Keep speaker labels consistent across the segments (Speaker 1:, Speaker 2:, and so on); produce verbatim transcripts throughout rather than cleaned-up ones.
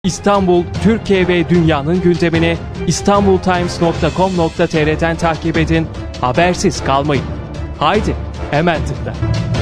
Speaker 1: İstanbul, Türkiye ve dünyanın gündemini istanbultimes nokta com nokta tr'den takip edin, habersiz kalmayın. Haydi, hemen tıkla.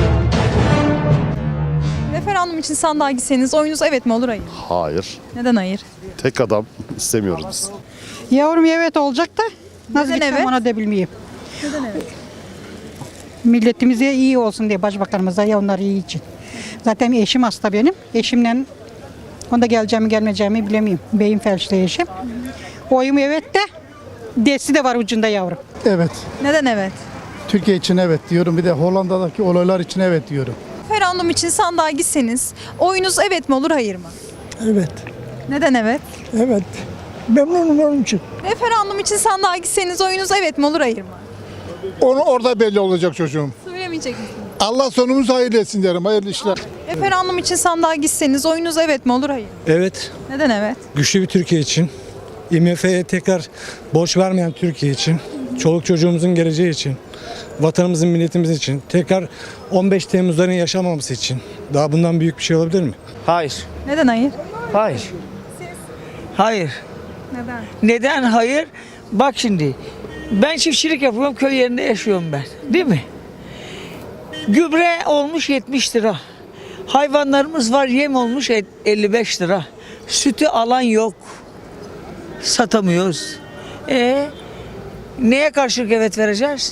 Speaker 2: Referandum için sandığa gitseniz oyunuz evet mi olur hayır?
Speaker 3: Hayır.
Speaker 2: Neden hayır?
Speaker 3: Tek adam istemiyoruz biz.
Speaker 4: Yavrum evet olacak da nasıl
Speaker 2: Neden
Speaker 4: gitsem
Speaker 2: evet?
Speaker 4: ona da bilmeyeyim.
Speaker 2: Neden evet?
Speaker 4: Milletimize iyi olsun diye başbakanımıza ya onlar iyi için. Zaten eşim hasta benim. Eşimle onda geleceğimi gelmeyeceğimi bilemiyorum. Beyin felçli eşim. Oyum evet de desi de var ucunda yavrum.
Speaker 5: Evet.
Speaker 2: Neden evet?
Speaker 5: Türkiye için evet diyorum. Bir de Hollanda'daki olaylar için evet diyorum.
Speaker 2: Referandum için sandığa gitseniz oyunuz evet mi olur hayır mı?
Speaker 6: Evet,
Speaker 2: Neden evet?
Speaker 6: evet. Memnunum onun için.
Speaker 2: Referandum için sandığa gitseniz oyunuz evet mi olur hayır mı?
Speaker 7: Onu orada belli olacak çocuğum.
Speaker 2: Söylemeyecek misiniz?
Speaker 7: Allah sonumuzu hayırlı etsin derim. Hayırlı işler.
Speaker 2: Referandum için sandığa gitseniz oyunuz evet mi olur hayır mı?
Speaker 8: Evet,
Speaker 2: Neden evet?
Speaker 8: güçlü bir Türkiye için, I M F'ye tekrar borç vermeyen Türkiye için, çoluk çocuğumuzun geleceği için, vatanımızın, milletimiz için, tekrar on beş Temmuz'ların yaşamaması için. Daha bundan büyük bir şey olabilir mi?
Speaker 9: Hayır.
Speaker 2: Neden hayır?
Speaker 9: Hayır. Hayır.
Speaker 2: Neden?
Speaker 9: Neden hayır? Bak şimdi. Ben çiftçilik yapıyorum. Köy yerinde yaşıyorum ben. Değil mi? Gübre olmuş yetmiş lira. Hayvanlarımız var, yem olmuş elli beş lira. Sütü alan yok. Satamıyoruz. E neye karşılık evet vereceğiz?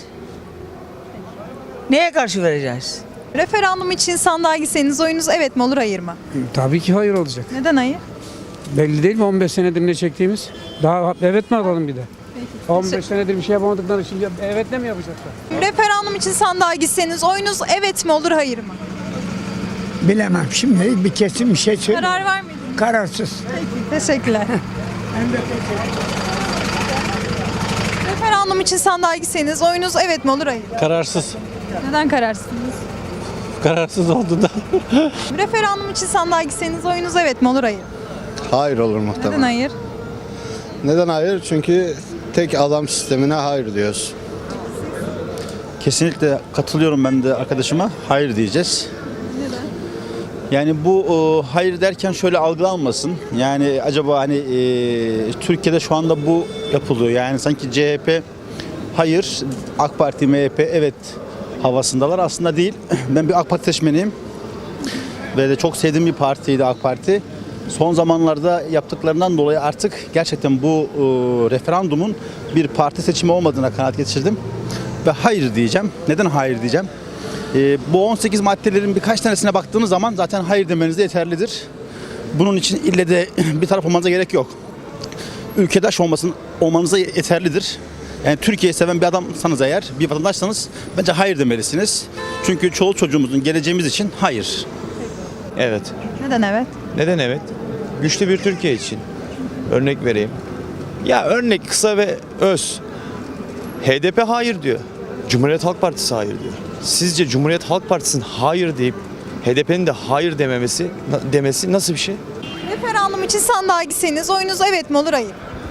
Speaker 9: Neye karşı vereceğiz?
Speaker 2: Referandum için sandığa gitseniz oyunuz evet mi olur hayır mı?
Speaker 10: Tabii ki hayır olacak.
Speaker 2: Neden hayır?
Speaker 10: Belli değil mi on beş senedir ne çektiğimiz? Daha evet mi alalım bir de? on beş senedir bir şey yapamadıkları için evet de mi yapacaklar?
Speaker 2: Referandum için sandığa gitseniz oyunuz evet mi olur hayır mı?
Speaker 6: Bilemem şimdi bir kesin bir şey söyle.
Speaker 2: Karar vermediniz.
Speaker 6: Kararsız.
Speaker 2: Teşekkürler. Referandum için sandığa gitseniz oyunuz evet mi olur hayır mı?
Speaker 8: Kararsız.
Speaker 2: Neden kararsınız?
Speaker 8: Kararsız oldu da.
Speaker 2: Referandum için sandığa gitseniz oyunuz evet mi olur hayır mı?
Speaker 3: Hayır olur muhtemelen.
Speaker 2: Neden hayır?
Speaker 3: Neden hayır? Çünkü tek adam sistemine hayır diyoruz.
Speaker 11: Kesinlikle katılıyorum ben de arkadaşıma. Hayır diyeceğiz.
Speaker 2: Neden?
Speaker 11: Yani bu o, hayır derken şöyle algılanmasın. Yani acaba hani e, Türkiye'de şu anda bu yapılıyor. Yani sanki C H P hayır, AK Parti, M H P evet havasındalar. Aslında değil. Ben bir AK Parti seçmeniyim. Ve de çok sevdiğim bir partiydi AK Parti. Son zamanlarda yaptıklarından dolayı artık gerçekten bu e, referandumun bir parti seçimi olmadığına kanaat getirdim. Ve hayır diyeceğim. Neden hayır diyeceğim? E, bu on sekiz maddelerin birkaç tanesine baktığınız zaman zaten hayır demeniz de yeterlidir. Bunun için ille de bir taraf olmanıza gerek yok. Ülkedaş olmasın, olmanıza yeterlidir. Yani Türkiye'yi seven bir adamsanız eğer, bir vatandaşsanız bence hayır demelisiniz. Çünkü çoluk çocuğumuzun geleceğimiz için hayır.
Speaker 12: Evet.
Speaker 2: Neden evet?
Speaker 12: Neden evet? Güçlü bir Türkiye için. Örnek vereyim. Ya örnek kısa ve öz. H D P hayır diyor. Cumhuriyet Halk Partisi hayır diyor. Sizce Cumhuriyet Halk Partisi'nin hayır deyip H D P'nin de hayır dememesi demesi nasıl bir şey?
Speaker 2: Referandum için sandığa gitseniz oyunuz evet mi olur hayır mı?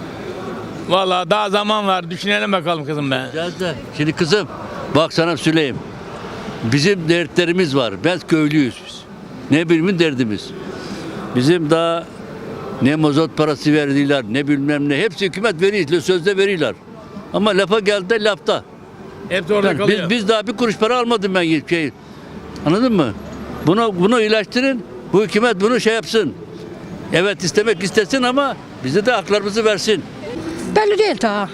Speaker 13: Vallahi daha zaman var. Düşünelim bakalım kızım be.
Speaker 14: Şimdi kızım bak sana söyleyeyim. Bizim dertlerimiz var. Biz köylüyüz biz. Ne bilimin derdimiz. Bizim daha ne mazot parası verdiler ne bilmem ne. Hepsi hükümet veriyor. Sözde veriyorlar. Ama lafa geldi de lafta.
Speaker 13: Hepsi orada
Speaker 14: Yani
Speaker 13: kalıyor.
Speaker 14: biz, biz daha bir kuruş para almadım ben hiçbir şey. Anladın mı? Bunu bunu ilaçtırın. Bu hükümet bunu şey yapsın. Evet istemek istesin ama bize de haklarımızı versin.
Speaker 4: Belli değil daha.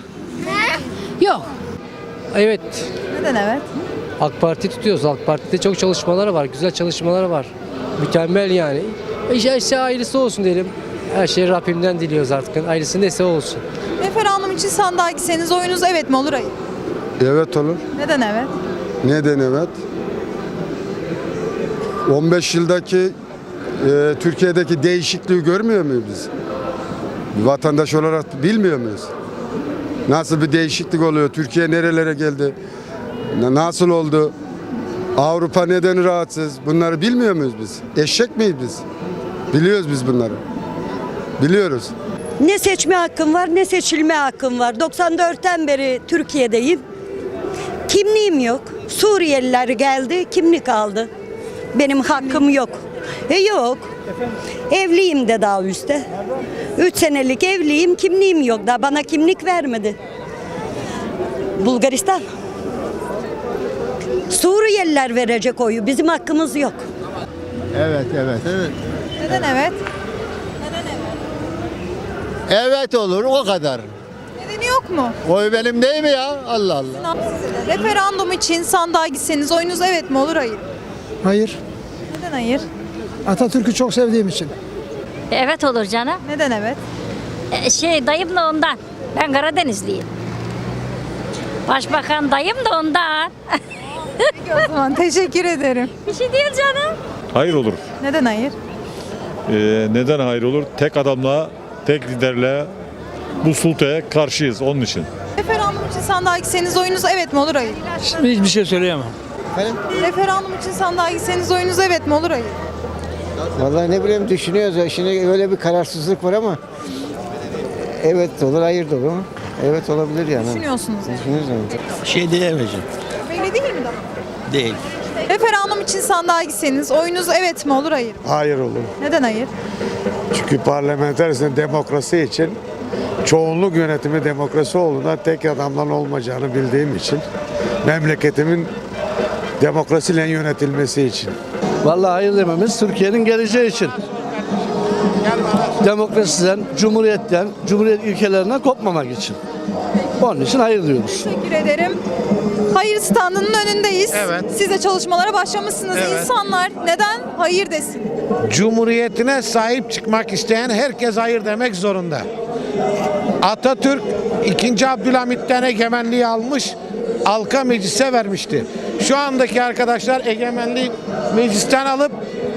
Speaker 4: Yok.
Speaker 10: Evet.
Speaker 2: Neden evet?
Speaker 10: AK Parti tutuyoruz. AK Parti'de çok çalışmaları var. Güzel çalışmaları var. Mükemmel yani. İşte, işte ailesi olsun diyelim. Her şeyi Rabbimden diliyoruz artık. Ailesi neyse olsun.
Speaker 2: Referandum için sandığa gitseniz oyunuz evet mi olur hayır mı?
Speaker 3: Evet olur.
Speaker 2: Neden evet?
Speaker 3: Neden evet? on beş yıldaki e, Türkiye'deki değişikliği görmüyor muyuz biz? Bir vatandaş olarak bilmiyor muyuz? Nasıl bir değişiklik oluyor? Türkiye nerelere geldi? Nasıl oldu? Avrupa neden rahatsız? Bunları bilmiyor muyuz biz? Eşek miyiz biz? Biliyoruz biz bunları. Biliyoruz.
Speaker 4: Ne seçme hakkım var ne seçilme hakkım var. doksan dörtten beri Türkiye'deyim. Kimliğim yok. Suriyeliler geldi, kimlik aldı. Benim hakkım yok. E yok.
Speaker 15: Evliyim de daha üstte. Üç senelik evliyim, kimliğim yok. Daha bana kimlik vermedi. Bulgaristan. Suriyeliler verecek oyu. Bizim hakkımız yok.
Speaker 5: Evet, evet. Evet.
Speaker 2: Neden evet?
Speaker 5: Evet olur, o kadar.
Speaker 2: Nedeni yok mu?
Speaker 5: Oy benim değil mi ya? Allah Allah.
Speaker 2: Referandum için sandığa gitseniz oyunuz evet mi olur hayır?
Speaker 6: Hayır.
Speaker 2: Neden hayır?
Speaker 6: Atatürk'ü çok sevdiğim için.
Speaker 15: Evet olur canım.
Speaker 2: Neden evet?
Speaker 15: Şey dayım da ondan. Ben Karadenizliyim. Başbakan dayım da ondan.
Speaker 2: Peki o zaman teşekkür ederim.
Speaker 15: Bir şey değil canım.
Speaker 7: Hayır olur.
Speaker 2: Neden hayır?
Speaker 7: Ee, neden hayır olur? Tek adamla, tek liderle bu sultaya karşıyız onun için.
Speaker 2: Referandum için sandığa gitseniz oyunuz evet mi olur hayır?
Speaker 9: Şimdi hiçbir şey söyleyemem.
Speaker 2: Referandum için sandığa gitseniz oyunuz evet mi olur hayır?
Speaker 6: Vallahi ne bileyim düşünüyoruz. Şimdi öyle bir kararsızlık var ama evet de olur, hayır da olur. Evet olabilir yani.
Speaker 2: Düşünüyorsunuz yani.
Speaker 6: Düşünüyoruz yani.
Speaker 11: Şey diyemeyeceğim.
Speaker 2: Belli değil mi daha?
Speaker 11: Değil.
Speaker 2: Referandum için sandığa gitseniz oyunuz evet mi olur hayır mı?
Speaker 3: Hayır olur.
Speaker 2: Neden hayır?
Speaker 3: Çünkü parlamenter demokrasi için çoğunluk yönetimi demokrasi olduğunda tek adamdan olmayacağını bildiğim için memleketimin demokrasiyle yönetilmesi için.
Speaker 5: Vallahi hayır dememiz Türkiye'nin geleceği için. Demokrasiden, cumhuriyetten, cumhuriyet ülkelerinden kopmamak için. Onun için hayır diyoruz.
Speaker 2: Teşekkür ederim. Hayır standının önündeyiz.
Speaker 3: Evet.
Speaker 2: Siz de çalışmalara başlamışsınız.
Speaker 3: Evet.
Speaker 2: İnsanlar neden hayır desin?
Speaker 3: Cumhuriyetine sahip çıkmak isteyen herkes hayır demek zorunda. Atatürk ikinci. Abdülhamit'ten egemenliği almış, halka meclise vermişti. Şu andaki arkadaşlar egemenliği meclisten alıp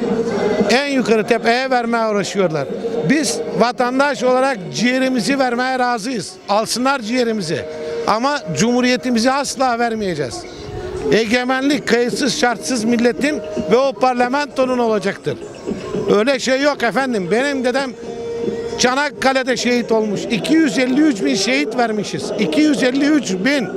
Speaker 3: en yukarı tepeye vermeye uğraşıyorlar. Biz vatandaş olarak ciğerimizi vermeye razıyız. Alsınlar ciğerimizi. Ama cumhuriyetimizi asla vermeyeceğiz. Egemenlik kayıtsız şartsız milletin ve o parlamentonun olacaktır. Öyle şey yok efendim. Benim dedem Çanakkale'de şehit olmuş. iki yüz elli üç bin şehit vermişiz. iki yüz elli üç bin.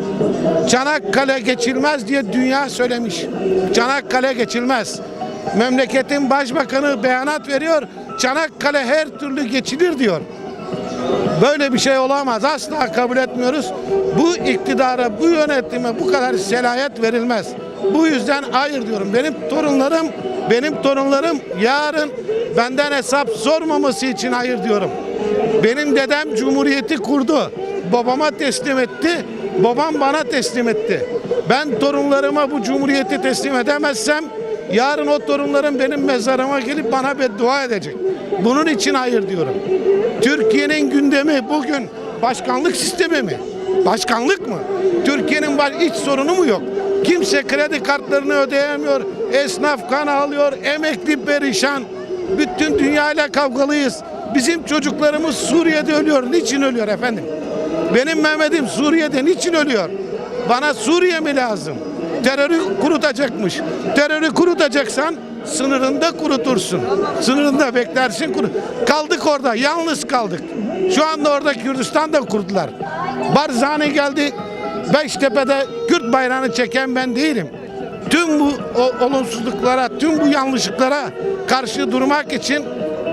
Speaker 3: Çanakkale geçilmez diye dünya söylemiş. Çanakkale geçilmez. Memleketin başbakanı beyanat veriyor. Çanakkale her türlü geçilir diyor. Böyle bir şey olamaz. Asla kabul etmiyoruz. Bu iktidara, bu yönetime bu kadar selahiyet verilmez. Bu yüzden hayır diyorum. Benim torunlarım, benim torunlarım yarın benden hesap sormaması için hayır diyorum. Benim dedem cumhuriyeti kurdu. Babama teslim etti. Babam bana teslim etti. Ben torunlarıma bu cumhuriyeti teslim edemezsem yarın o torunlarım benim mezarıma gelip bana beddua edecek. Bunun için hayır diyorum. Türkiye'nin gündemi bugün başkanlık sistemi mi? Başkanlık mı? Türkiye'nin iç sorunu mu yok? Kimse kredi kartlarını ödeyemiyor. Esnaf kan alıyor. Emekli perişan. Bütün dünyayla kavgalıyız. Bizim çocuklarımız Suriye'de ölüyor. Niçin ölüyor efendim? Benim Mehmet'im Suriye'de niçin ölüyor? Bana Suriye mi lazım? Terörü kurutacakmış. Terörü kurutacaksan sınırında kurutursun. Sınırında beklersin kurut. Kaldık orada. Yalnız kaldık. Şu anda orada Kürdistan'da kurdular. Barzani geldi. Beştepe'de Kürt bayrağını çeken ben değilim. Tüm bu o, olumsuzluklara, tüm bu yanlışlıklara karşı durmak için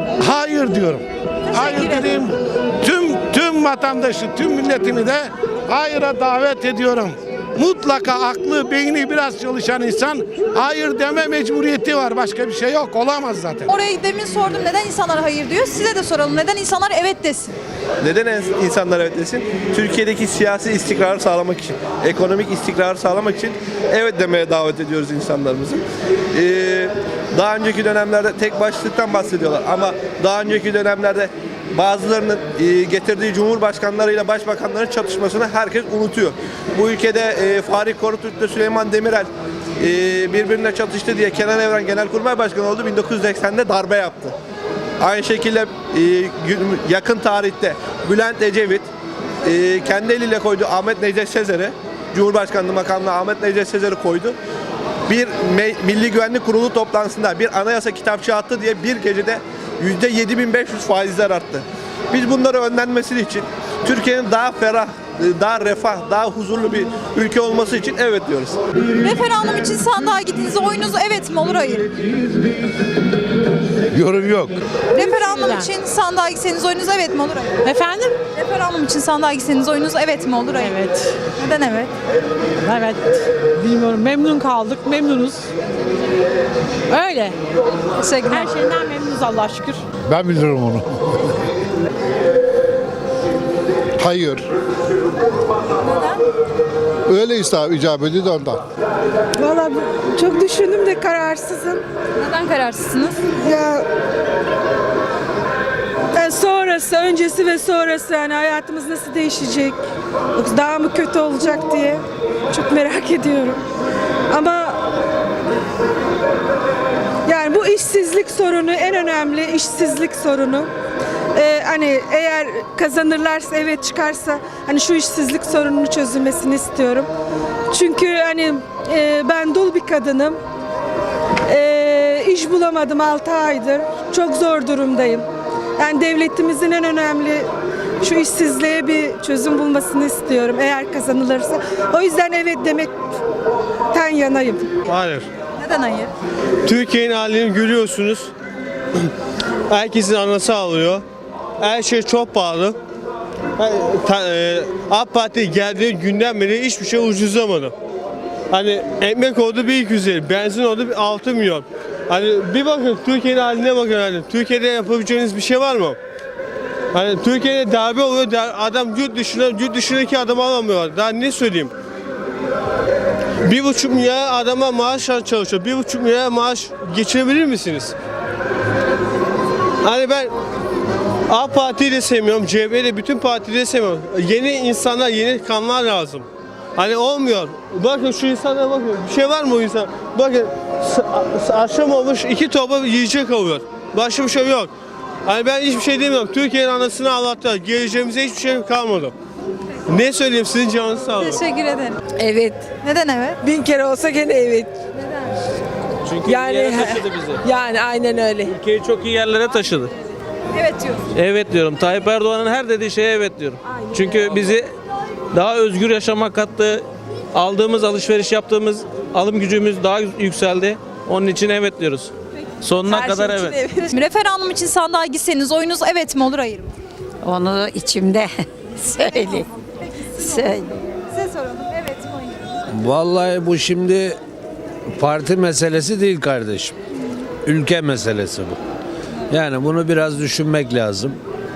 Speaker 3: hayır diyorum. Hayır dediğim tüm tüm vatandaşı, tüm milletimi de hayıra davet ediyorum. Mutlaka aklı, beyni biraz çalışan insan hayır deme mecburiyeti var. Başka bir şey yok. Olamaz zaten.
Speaker 2: Oraya demin sordum neden insanlar hayır diyor. Size de soralım neden insanlar evet desin?
Speaker 12: Neden insanlar evet desin? Türkiye'deki siyasi istikrarı sağlamak için, ekonomik istikrarı sağlamak için evet demeye davet ediyoruz insanlarımızı. Ee, daha önceki dönemlerde tek başlıktan bahsediyorlar ama daha önceki dönemlerde bazılarının e, getirdiği cumhurbaşkanlarıyla başbakanların çatışmasını herkes unutuyor. Bu ülkede e, Fahri Korutürk'le Süleyman Demirel e, birbirine çatıştı diye Kenan Evren Genelkurmay Başkanı oldu. bin dokuz yüz seksende darbe yaptı. Aynı şekilde e, yakın tarihte Bülent Ecevit e, kendi eliyle koydu Ahmet Necdet Sezer'i, Cumhurbaşkanlığı makamına Ahmet Necdet Sezer'i koydu. Bir Milli Güvenlik Kurulu toplantısında bir anayasa kitapçığı attı diye bir gecede yüzde yedi bin beş yüz faizler arttı. Biz bunları önlenmesi için Türkiye'nin daha ferah, daha refah, daha huzurlu bir ülke olması için evet diyoruz.
Speaker 2: Referandum için sandığa gittiğinizde oyunuz evet mi olur hayır?
Speaker 3: Yorum yok.
Speaker 2: Referandum için sandığa gitseniz oyunuz evet mi olur hayır?
Speaker 9: Efendim?
Speaker 2: Referandum için sandığa gitseniz oyunuz evet mi olur hayır?
Speaker 9: Evet.
Speaker 2: Neden evet?
Speaker 9: Evet. Bilmiyorum. Memnun kaldık. Memnunuz. Öyle.
Speaker 2: Teşekkürler.
Speaker 9: Her şeyden memnunuz Allah'a şükür.
Speaker 3: Ben bilirim onu. Hayır.
Speaker 2: Neden?
Speaker 3: Öyle icap ediyor da ondan.
Speaker 4: Valla çok düşündüm de kararsızım.
Speaker 2: Neden kararsızsınız?
Speaker 4: Ya yani sonrası, öncesi ve sonrası yani hayatımız nasıl değişecek? Yoksa daha mı kötü olacak diye çok merak ediyorum. Ama yani bu işsizlik sorunu en önemli işsizlik sorunu. Ee, hani eğer kazanırlarsa evet çıkarsa hani şu işsizlik sorununu çözülmesini istiyorum. Çünkü hani e, ben dul bir kadınım. E, iş bulamadım altı aydır. Çok zor durumdayım. Yani devletimizin en önemli şu işsizliğe bir çözüm bulmasını istiyorum eğer kazanılırsa. O yüzden evet demekten yanayım.
Speaker 12: Hayır.
Speaker 2: Neden hayır?
Speaker 12: Türkiye'nin halini görüyorsunuz. Herkesin anası ağlıyor. Her şey çok pahalı. AK Parti geldiği günden beri hiçbir şey ucuzlamadı. Hani ekmek oldu bir iki yüz elli, benzin oldu bir altı milyon. Hani bir bakın Türkiye'nin haline bakın hani. Türkiye'de yapabileceğiniz bir şey var mı? Hani Türkiye'de darbe oluyor, adam yurt dışına, yurt dışındaki adamı alamıyor. Daha ne söyleyeyim? Bir buçuk milyar adama maaş çalışıyor. Bir buçuk milyar maaş geçirebilir misiniz? Hani ben AK Parti'yi de sevmiyorum, C H P'yi de bütün partileri sevmiyorum. Yeni insanlar, yeni kanlar lazım. Hani olmuyor. Bakın şu insanlara bakın. Bir şey var mı o insan? Bakın akşam olmuş iki torba yiyecek alıyor. Başka bir şey yok. Hani ben hiçbir şey demiyorum. Türkiye'nin anasını ağlattılar. Geleceğimize hiçbir şey kalmadı. Ne söyleyeyim sizin canınız sağ olun.
Speaker 2: Teşekkür ederim.
Speaker 9: Evet.
Speaker 2: Neden evet?
Speaker 9: Bin kere olsa gene evet.
Speaker 12: Çünkü
Speaker 9: Yani yani aynen öyle.
Speaker 12: Ülkeyi çok iyi yerlere taşıdı.
Speaker 2: Evet diyorsun.
Speaker 12: Evet diyorum. Tayyip Erdoğan'ın her dediği şeye evet diyorum. Çünkü bizi daha özgür yaşamak kattı. Aldığımız, alışveriş yaptığımız alım gücümüz daha yükseldi. Onun için evet diyoruz. Sonuna kadar evet.
Speaker 2: Referandum için sandığa gitseniz oyunuz evet mi olur hayır mı?
Speaker 15: Onu içimde söyle. Söyle.
Speaker 2: Size soralım. Evet mi hayır mı?
Speaker 5: Vallahi bu şimdi parti meselesi değil kardeşim. Ülke meselesi bu. Yani bunu biraz düşünmek lazım.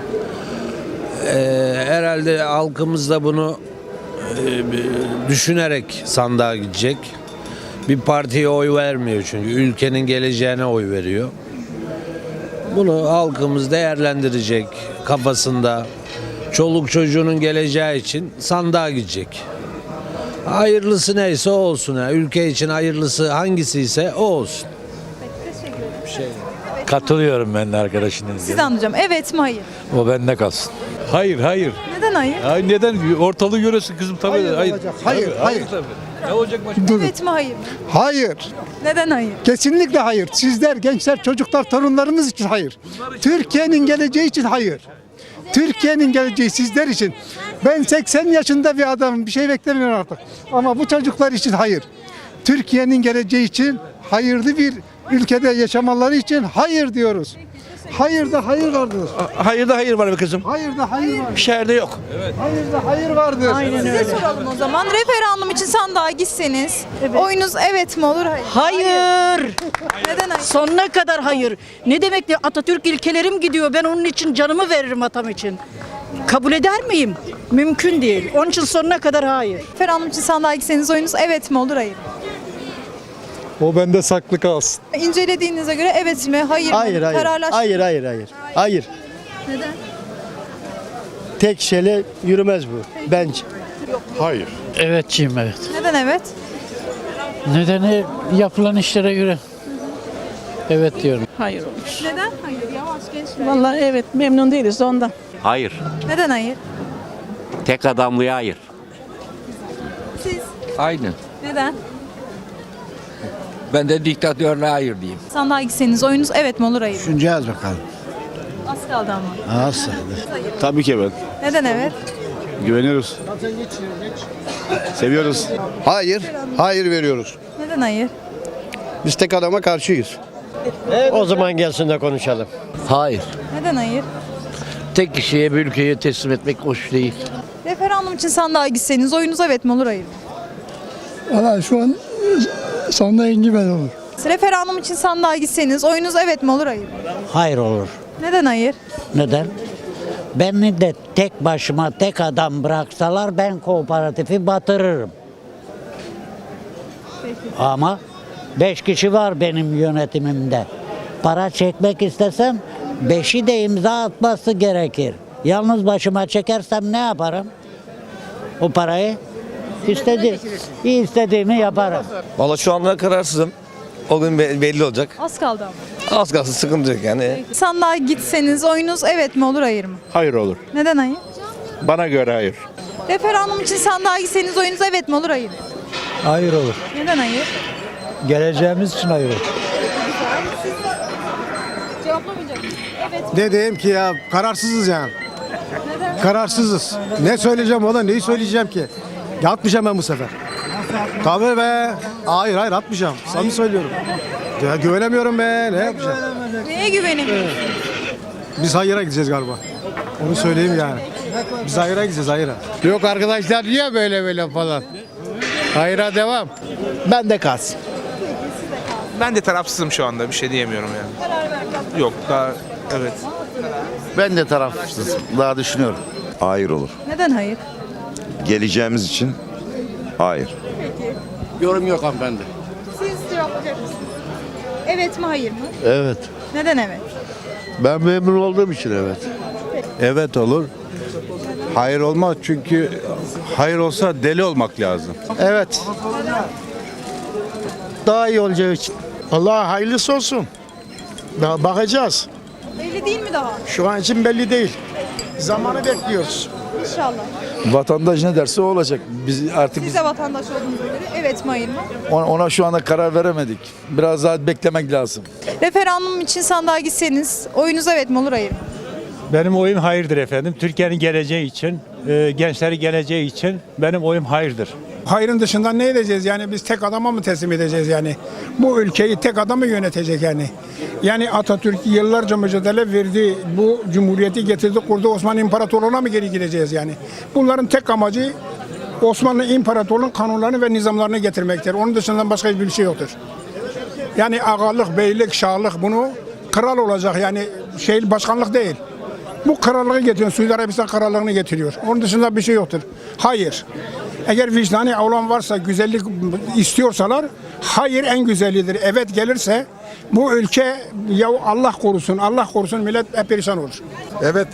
Speaker 5: Ee, herhalde halkımız da bunu e, düşünerek sandığa gidecek. Bir partiye oy vermiyor çünkü ülkenin geleceğine oy veriyor. Bunu halkımız değerlendirecek kafasında. Çoluk çocuğunun geleceği için sandığa gidecek. Hayırlısı neyse o olsun. Ya. Ülke için hayırlısı hangisi ise o olsun. Bir şey.
Speaker 7: Katılıyorum ben de arkadaşının.
Speaker 2: Sizden duyacağım. Evet mi hayır?
Speaker 7: O bende kalsın. Hayır, hayır.
Speaker 2: Neden hayır?
Speaker 7: Ay neden? Ortalığı görüyorsun kızım tabii.
Speaker 3: Hayır olacak. Hayır,
Speaker 7: Tabii,
Speaker 3: hayır.
Speaker 7: tabii. Ne olacak başka?
Speaker 2: Evet mi hayır mı?
Speaker 3: Hayır.
Speaker 2: Neden hayır?
Speaker 3: Kesinlikle hayır. Sizler, gençler, çocuklar, torunlarımız için hayır. Türkiye'nin geleceği için hayır. Türkiye'nin geleceği sizler için. Ben seksen yaşında bir adamım. Bir şey beklemiyorum artık. Ama bu çocuklar için hayır. Türkiye'nin geleceği için hayırlı bir ülkede yaşamaları için hayır diyoruz. Hayır da hayır vardır.
Speaker 12: Hayır da hayır var be kızım.
Speaker 3: Hayır da hayır vardır.
Speaker 12: Şehirde yok.
Speaker 3: Hayır da hayır vardır.
Speaker 2: Size soralım o zaman. Referandum için sandığa gitseniz oyunuz evet mi olur hayır mı?
Speaker 4: Hayır.
Speaker 2: Neden hayır?
Speaker 4: Sonuna kadar hayır. Ne demek ki Atatürk ilkelerim gidiyor. Ben onun için canımı veririm vatanım için. Kabul eder miyim? Mümkün değil. Onun için sonuna kadar hayır.
Speaker 2: Referandum için sandığa gitseniz oyunuz evet mi olur hayır mı?
Speaker 3: O bende saklı kalsın.
Speaker 2: İncelediğinize göre evet mi hayır mı?
Speaker 6: Hayır hayır.
Speaker 2: Kararlaştı.
Speaker 6: Hayır hayır hayır. Hayır.
Speaker 2: Neden?
Speaker 6: Tek şeyle yürümez bu bence.
Speaker 3: Hayır.
Speaker 10: Evetçiyim evet.
Speaker 2: Neden evet?
Speaker 10: Nedeni yapılan işlere göre. Evet diyorum.
Speaker 4: Hayır olur.
Speaker 2: Neden? Hayır. Yavaş gençler.
Speaker 4: Vallahi evet memnun değiliz de ondan.
Speaker 14: Hayır.
Speaker 2: Neden hayır?
Speaker 14: Tek adamlıya hayır.
Speaker 2: Siz
Speaker 14: Aynen.
Speaker 2: neden?
Speaker 14: Ben de diktatörlüğe hayır diyeyim.
Speaker 2: Sandığa gitseniz oyunuz evet mi olur hayır mı?
Speaker 6: Düşüneceğiz bakalım.
Speaker 2: Az kaldı ama.
Speaker 6: Nasıl? Tabii ki evet.
Speaker 2: Neden evet?
Speaker 11: Güveniyoruz. Seviyoruz.
Speaker 6: Hayır, hayır veriyoruz.
Speaker 2: Neden hayır?
Speaker 6: Biz tek adama karşıyız.
Speaker 10: O zaman gelsin de konuşalım.
Speaker 5: Hayır.
Speaker 2: Neden hayır?
Speaker 5: Tek kişiye bir ülkeyi teslim etmek hoş değil.
Speaker 2: Referandum için sandığa gitseniz oyunuz evet mi olur hayır mı?
Speaker 8: Valla şu an sonunda engi ben olur.
Speaker 2: Referandum için sandığa gitseniz oyunuz evet mi olur hayır mı?
Speaker 10: Hayır olur.
Speaker 2: Neden hayır?
Speaker 10: Neden? Beni de tek başıma tek adam bıraksalar ben kooperatifi batırırım. Ama beş kişi var benim yönetimimde. Para çekmek istesem beşi de imza atması gerekir. Yalnız başıma çekersem ne yaparım? O parayı istedi, istediğimi yaparım.
Speaker 12: Valla şu anda kararsızım. O gün belli olacak.
Speaker 2: Az kaldı ama.
Speaker 12: Az kalsın sıkıntı yok yani.
Speaker 2: Sandığa gitseniz oyunuz evet mi olur hayır mı?
Speaker 11: Hayır olur.
Speaker 2: Neden hayır?
Speaker 11: Bana göre hayır.
Speaker 2: Referandum için sandığa gitseniz oyunuz evet mi olur hayır mı?
Speaker 10: Hayır olur.
Speaker 2: Neden hayır?
Speaker 10: Geleceğimiz için hayır olur.
Speaker 2: Cevaplamayacak mısın? Evet.
Speaker 3: Ne diyeyim ki ya, kararsızız yani.
Speaker 2: Neden?
Speaker 3: Kararsızız. Ne söyleyeceğim ona, neyi söyleyeceğim ki? Ya atmayacağım ben bu sefer. Tabii be. Hayır hayır atmayacağım. Samimi söylüyorum. Ya güvenemiyorum be. Ne yapacağım?
Speaker 2: Neye güvenemiyorsun?
Speaker 3: Biz hayıra gideceğiz galiba. Onu söyleyeyim yani. Biz hayıra gideceğiz, hayıra.
Speaker 6: Yok arkadaşlar niye böyle böyle falan? Hayra devam.
Speaker 11: Ben de kalsın.
Speaker 13: Ben de tarafsızım şu anda bir şey diyemiyorum yani. Yok daha evet.
Speaker 11: Ben de tarafsızım. Daha düşünüyorum.
Speaker 12: Hayır olur.
Speaker 2: Neden hayır?
Speaker 12: Geleceğimiz için hayır.
Speaker 2: Peki.
Speaker 6: Yorum yok hanımefendi.
Speaker 2: Siz cevaplayacak mısınız? Evet mi hayır mı?
Speaker 6: Evet.
Speaker 2: Neden evet?
Speaker 6: Ben memnun olduğum için evet.
Speaker 11: Evet olur. Hayır olmaz çünkü hayır olsa deli olmak lazım.
Speaker 6: Evet. Daha iyi olacağı için.
Speaker 8: Allah hayırlısı olsun. Daha bakacağız.
Speaker 2: Belli değil mi daha?
Speaker 8: Şu an için belli değil. Zamanı bekliyoruz.
Speaker 2: İnşallah.
Speaker 11: Vatandaş ne derse o olacak. Biz artık
Speaker 2: Siz de vatandaş olduğunuza göre evet mi hayır mı?
Speaker 11: ona, ona şu anda karar veremedik. Biraz daha beklemek lazım.
Speaker 2: Referandum için sandığa gitseniz oyunuz evet mi olur hayır mı?
Speaker 8: Benim oyum hayırdır efendim. Türkiye'nin geleceği için, e, gençlerin geleceği için benim oyum hayırdır. Hayrın dışında ne edeceğiz yani biz tek adama mı teslim edeceğiz yani? Bu ülkeyi tek adam mı yönetecek yani? Yani Atatürk yıllarca mücadele verdi, bu cumhuriyeti getirdi, kurdu, Osmanlı İmparatorluğu'na mı geri gideceğiz yani? Bunların tek amacı Osmanlı İmparatorluğu'nun kanunlarını ve nizamlarını getirmektir. Onun dışında başka hiçbir şey yoktur. Yani ağalık, beylik, şahlık bunu kral olacak yani şey başkanlık değil. Bu krallığı getiriyor. Suudi Arabistan krallığını getiriyor. Onun dışında bir şey yoktur. Hayır. Eğer vicdani olan varsa, güzellik istiyorsalar, hayır en güzelidir. Evet gelirse bu ülke ya Allah korusun, Allah korusun millet hep perişan olur.
Speaker 3: Evet.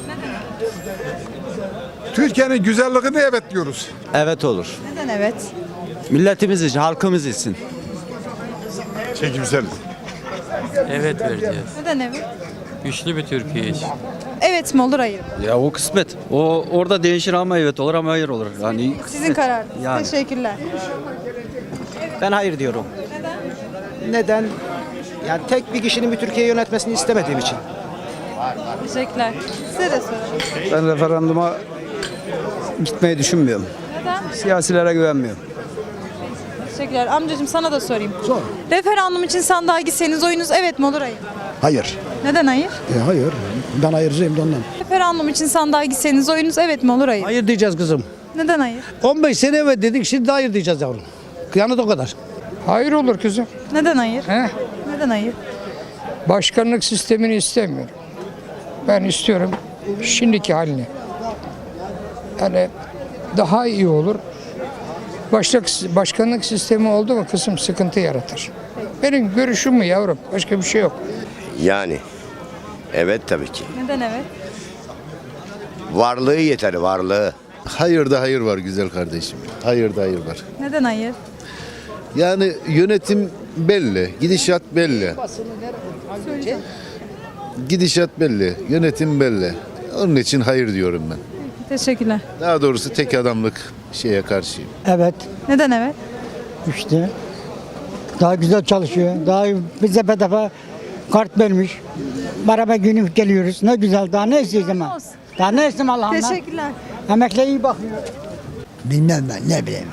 Speaker 3: Türkiye'nin güzelliğine evet diyoruz.
Speaker 12: Evet olur.
Speaker 2: Neden evet?
Speaker 12: Milletimiz için, halkımız için.
Speaker 3: Çekimsel.
Speaker 1: Evet vereceğiz.
Speaker 2: Neden evet?
Speaker 1: Güçlü bir Türkiye için.
Speaker 2: Evet mi olur hayır mı?
Speaker 12: Ya o kısmet. O orada değişir ama evet olur ama hayır olur. Yani
Speaker 2: Sizin kararınız.
Speaker 12: Yani.
Speaker 2: Teşekkürler.
Speaker 6: Ben hayır diyorum. Neden? Neden? Yani tek bir kişinin bir Türkiye'yi yönetmesini istemediğim için.
Speaker 2: Teşekkürler. Size de sorayım.
Speaker 6: Ben referanduma gitmeyi düşünmüyorum.
Speaker 2: Neden?
Speaker 6: Siyasilere güvenmiyorum.
Speaker 2: Teşekkürler. Amcacığım sana da sorayım. Sor. Referandum için sandığa gitseniz oyunuz evet mi olur hayır mı?
Speaker 6: Hayır.
Speaker 2: Neden hayır?
Speaker 6: E, hayır. Ben hayırcıyım da ondan.
Speaker 2: Referandum için sandığa gitseniz oyunuz evet mi olur hayır mı?
Speaker 6: Hayır diyeceğiz kızım.
Speaker 2: Neden hayır?
Speaker 6: on beş sene evet dedik şimdi hayır diyeceğiz yavrum. Kıyamet o kadar.
Speaker 8: Hayır olur kızım.
Speaker 2: Neden hayır?
Speaker 8: He?
Speaker 2: Neden hayır?
Speaker 8: Başkanlık sistemini istemiyorum. Ben istiyorum şimdiki halini. Yani daha iyi olur. Başlık, başkanlık sistemi oldu mu kısım sıkıntı yaratır. Benim görüşüm bu yavrum. Başka bir şey yok.
Speaker 12: Yani evet tabii ki.
Speaker 2: Neden evet?
Speaker 12: Varlığı yeter, varlığı.
Speaker 3: Hayır da hayır var güzel kardeşim. Hayır da hayır var.
Speaker 2: Neden hayır?
Speaker 3: Yani yönetim belli, gidişat belli.
Speaker 2: Söyleyeceğim.
Speaker 3: Gidişat belli, yönetim belli. Onun için hayır diyorum ben.
Speaker 2: Teşekkürler.
Speaker 3: Daha doğrusu tek adamlık şeye karşıyım.
Speaker 4: Evet.
Speaker 2: Neden evet?
Speaker 4: İşte daha güzel çalışıyor. Daha bize bedava kart vermiş. Beraber günlük geliyoruz. Ne güzel. Daha ne isteyeceğim ben?
Speaker 2: Olsun.
Speaker 4: Daha ne isteyeyim Allah'ımdan?
Speaker 2: Teşekkürler.
Speaker 4: Emekliye iyi bakmıyor.
Speaker 6: Bilmem ben ne bileyim.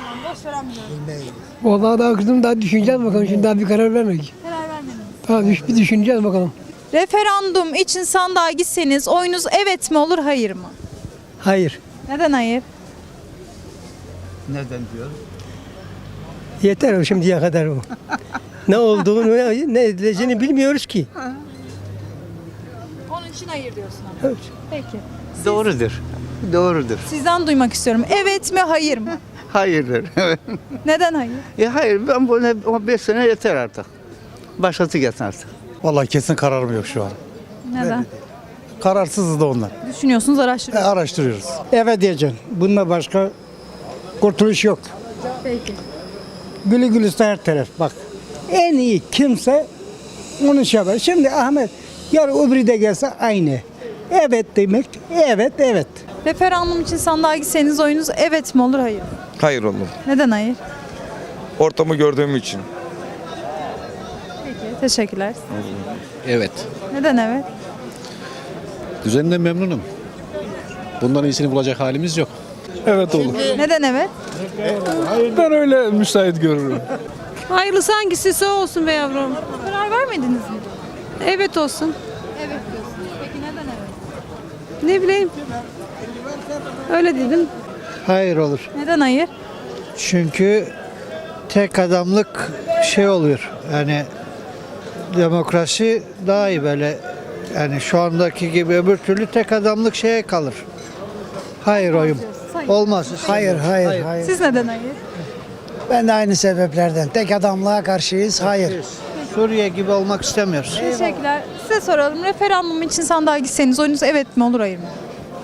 Speaker 9: Vallahi daha kızım daha düşüneceğiz bakalım. Şimdi daha bir karar vermedik.
Speaker 2: Karar vermediniz.
Speaker 9: Daha bir, bir düşüneceğiz bakalım.
Speaker 2: Referandum için sandığa gitseniz oyunuz evet mi olur hayır mı?
Speaker 9: Hayır.
Speaker 2: Neden hayır?
Speaker 11: Neden diyor?
Speaker 9: Yeter o şimdiye kadar o. Ne olduğunu ne, ne edileceğini bilmiyoruz ki.
Speaker 2: Onun için hayır diyorsun ama.
Speaker 9: Evet.
Speaker 2: Peki.
Speaker 11: Doğrudur. Doğrudur.
Speaker 2: Sizden duymak istiyorum. Evet mi hayır mı?
Speaker 11: Hayırdır.
Speaker 2: Neden hayır?
Speaker 11: e hayır ben bunu beş sene yeter artık. Başlatı gelsin artık.
Speaker 8: Vallahi kesin kararım yok şu an.
Speaker 2: Neden?
Speaker 8: Kararsızız da onlar.
Speaker 2: Düşünüyorsunuz, araştırıyorsunuz.
Speaker 8: Araştırıyoruz.
Speaker 4: Evet diyeceksin. Bununla başka kurtuluş yok.
Speaker 2: Peki.
Speaker 4: Gülü gülüste her taraf bak. En iyi kimse onu şey yapar. Şimdi Ahmet yarın öbürü de gelse aynı. Evet demek, evet evet.
Speaker 2: Referandum için sandığa gitseniz oyunuz evet mi olur hayır mı?
Speaker 12: Hayır olur.
Speaker 2: Neden hayır?
Speaker 12: Ortamı gördüğüm için.
Speaker 2: Peki. Teşekkürler.
Speaker 14: Evet.
Speaker 2: Neden evet?
Speaker 14: Düzeninden memnunum. Bundan iyisini bulacak halimiz yok.
Speaker 7: Evet olur.
Speaker 2: Neden evet?
Speaker 7: Ben öyle müsait görürüm.
Speaker 15: Hayırlısı hangisi o olsun be yavrum.
Speaker 2: Karar vermediniz mi?
Speaker 15: Evet olsun.
Speaker 2: Evet diyorsunuz. Peki neden evet?
Speaker 15: Ne bileyim. Öyle dedim.
Speaker 6: Hayır olur.
Speaker 2: Neden hayır?
Speaker 6: Çünkü tek adamlık şey oluyor. Yani demokrasi daha iyi böyle. Yani şu andaki gibi öbür türlü tek adamlık şeye kalır. Hayır oyum. Olmaz. Hayır, hayır, hayır.
Speaker 2: Siz neden hayır?
Speaker 6: Ben de aynı sebeplerden. Tek adamlığa karşıyız. Hayır. Suriye gibi olmak istemiyoruz.
Speaker 2: Teşekkürler. Size soralım. Referandum için sandığa gitseniz oyunuz evet mi olur hayır mı?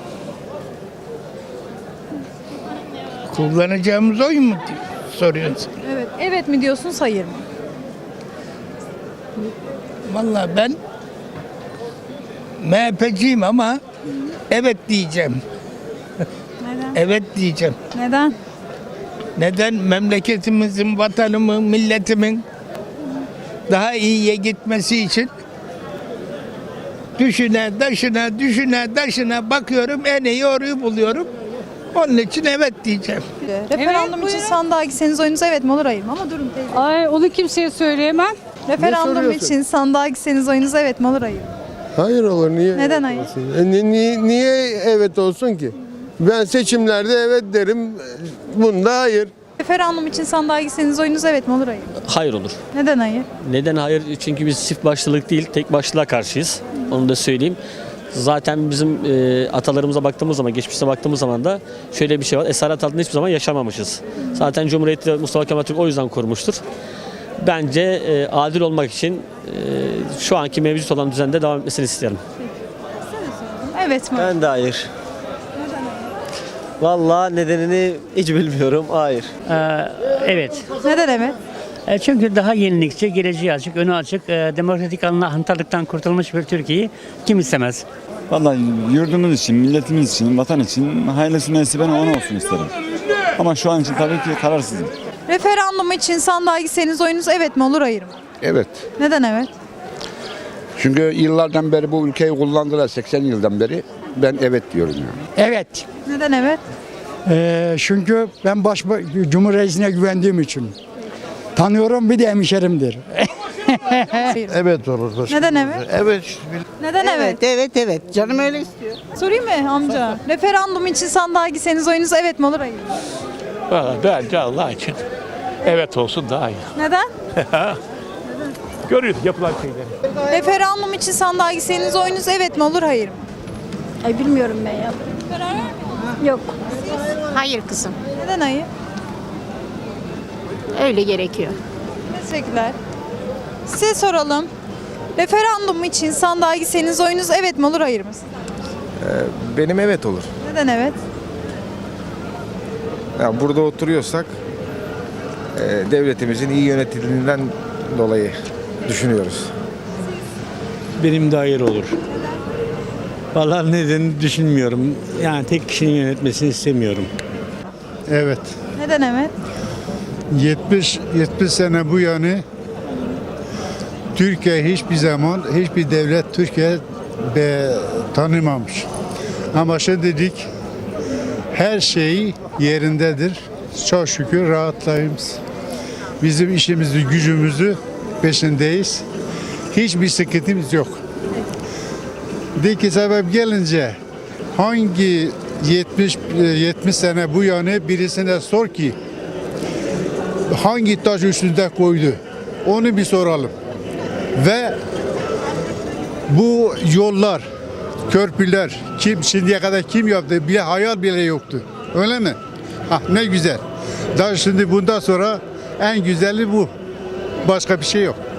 Speaker 13: Kullanacağımız oy mu soruyorsun?
Speaker 2: Evet. Evet mi diyorsunuz hayır mı?
Speaker 13: Vallahi ben M H P'ciyim ama evet diyeceğim.
Speaker 2: Neden?
Speaker 13: Evet diyeceğim.
Speaker 2: Neden?
Speaker 13: Neden? Memleketimizin, vatanımın, milletimin daha iyiye gitmesi için düşüne, taşına, düşüne, taşına bakıyorum, en iyi oruyu buluyorum. Onun için evet diyeceğim.
Speaker 2: Referandum için sandığa gitseniz oyunuz evet mi olur hayır mı? Ama durun teyze.
Speaker 15: Ay onu kimseye söyleyemem.
Speaker 2: Referandum için sandığa gitseniz oyunuz evet mi olur hayır mı?
Speaker 3: Hayır olur. Niye?
Speaker 2: Neden hayır?
Speaker 3: niye, niye evet olsun ki? Ben seçimlerde evet derim. Bunda hayır.
Speaker 2: Referandum için sandığa gitseniz oyunuz evet mi olur hayır mı?
Speaker 1: Hayır olur.
Speaker 2: Neden hayır?
Speaker 1: Neden hayır? Çünkü biz çift başlılık değil, tek başlılığa karşıyız. Onu da söyleyeyim. Zaten bizim e, atalarımıza baktığımız zaman, geçmişe baktığımız zaman da şöyle bir şey var. Esaret altında hiçbir zaman yaşamamışız. Zaten Cumhuriyeti Mustafa Kemal Atatürk o yüzden kurmuştur. Bence e, adil olmak için e, şu anki mevcut olan düzende devam etmesini isterim.
Speaker 2: Evet mi?
Speaker 6: Ben de hayır. Vallahi nedenini hiç bilmiyorum. Hayır.
Speaker 10: evet.
Speaker 2: Neden evet?
Speaker 10: E, Çünkü daha yenilikçi, geleceği açık, önü açık, e, demokratik hantallıktan kurtulmuş bir Türkiye'yi kim istemez?
Speaker 12: Vallahi yurdumuz için, milletimiz için, vatan için hayırlısı neyse ben onu olsun isterim. Ama şu an için tabii ki kararsızım.
Speaker 2: Referandum için sandığa gitseniz oyunuz evet mi olur hayır mı?
Speaker 3: Evet.
Speaker 2: Neden evet?
Speaker 3: Çünkü yıllardan beri bu ülkeyi kullandılar, seksen yıldan beri. Ben evet diyorum yani.
Speaker 4: Evet.
Speaker 2: Neden evet?
Speaker 4: Ee, çünkü ben baş Cumhurreisine güvendiğim için. Tanıyorum, bir de hemşerimdir.
Speaker 3: Evet olur.
Speaker 2: Neden evet?
Speaker 3: Evet.
Speaker 2: Neden evet?
Speaker 6: evet, evet. Canım öyle istiyor.
Speaker 2: Sorayım mı amca? Referandum için sandığa gitseniz oyunuz evet mi olur hayır mı?
Speaker 13: Valla bence Allah için evet olsun daha iyi.
Speaker 2: Neden?
Speaker 13: Görüyoruz yapılan şeyleri.
Speaker 2: Referandum için sandığa gitseniz oyunuz evet mi olur hayır mı?
Speaker 15: Ay bilmiyorum ben ya. Yok. Hayır kızım.
Speaker 2: Neden hayır?
Speaker 15: Öyle gerekiyor.
Speaker 2: Teşekkürler. Size soralım. Referandum için sandığa gitseniz oyunuz evet mi olur hayır mı?
Speaker 12: Benim evet olur.
Speaker 2: Neden evet?
Speaker 12: Ya burada oturuyorsak devletimizin iyi yönetildiğinden dolayı düşünüyoruz.
Speaker 8: Benim de hayır olur. Vallahi nedenini düşünmüyorum. Yani tek kişinin yönetmesini istemiyorum.
Speaker 3: Evet.
Speaker 2: Neden evet?
Speaker 3: yetmiş yetmiş sene bu yana Türkiye hiçbir zaman hiçbir devlet Türkiye be, tanımamış. Ama şimdilik
Speaker 6: Her şey yerindedir. Çok şükür rahatlayız. Bizim işimizi, gücümüzü peşindeyiz. Hiçbir sıkıntımız yok. Deki sebep gelince hangi yetmiş yetmiş sene bu yana birisine sor ki hangi taş üstünde koydu? Onu bir soralım. Ve bu yollar, köprüler kim şimdiye kadar kim yaptı? Bile hayal bile yoktu. Öyle mi? Ah ne güzel. Daha şimdi bundan sonra en güzeli bu. Başka bir şey yok.